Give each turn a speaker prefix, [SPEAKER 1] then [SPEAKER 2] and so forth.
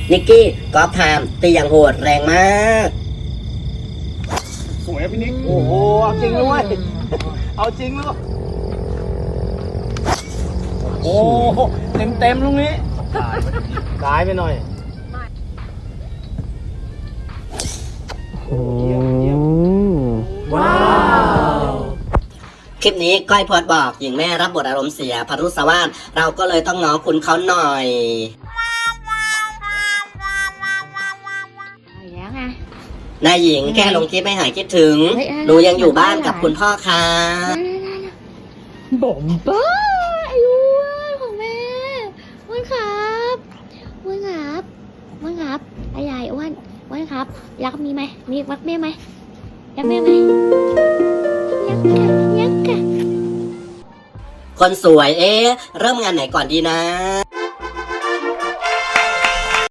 [SPEAKER 1] นิกกี้กอล์ฟไทม์ตีอย่างโหดแรงมาก
[SPEAKER 2] สวยพี่นิกโอ้โหเอาจริงเลย เอาจริงเลยโอ้เต็มลูกนี้ตายไปหน่อย
[SPEAKER 1] ว้าวคลิปนี้ก้อยพอดบอกหญิงแม่รับบทอารมณ์เสียพรุษวาทเราก็เลยต้องง้อคุณเขาหน่อย
[SPEAKER 3] แล้วไง
[SPEAKER 1] นายหญิงแค่ลงคลิปไม่หายคิดถึงหนูยังอยู่บ้านกับคุณพ่อค่ะ
[SPEAKER 3] บ่มบ้าไอ้อ้วนของแม่อ้วนครับอ้วนครับอ้วนครับไอ้ใหญ่อ้วนอ้วนครับรักมีไหมมีรักแม่ไหมรักแม่ไหมรักค่ะรักค่ะ
[SPEAKER 1] คนสวยเริ่มงานไหนก่อนดีนะ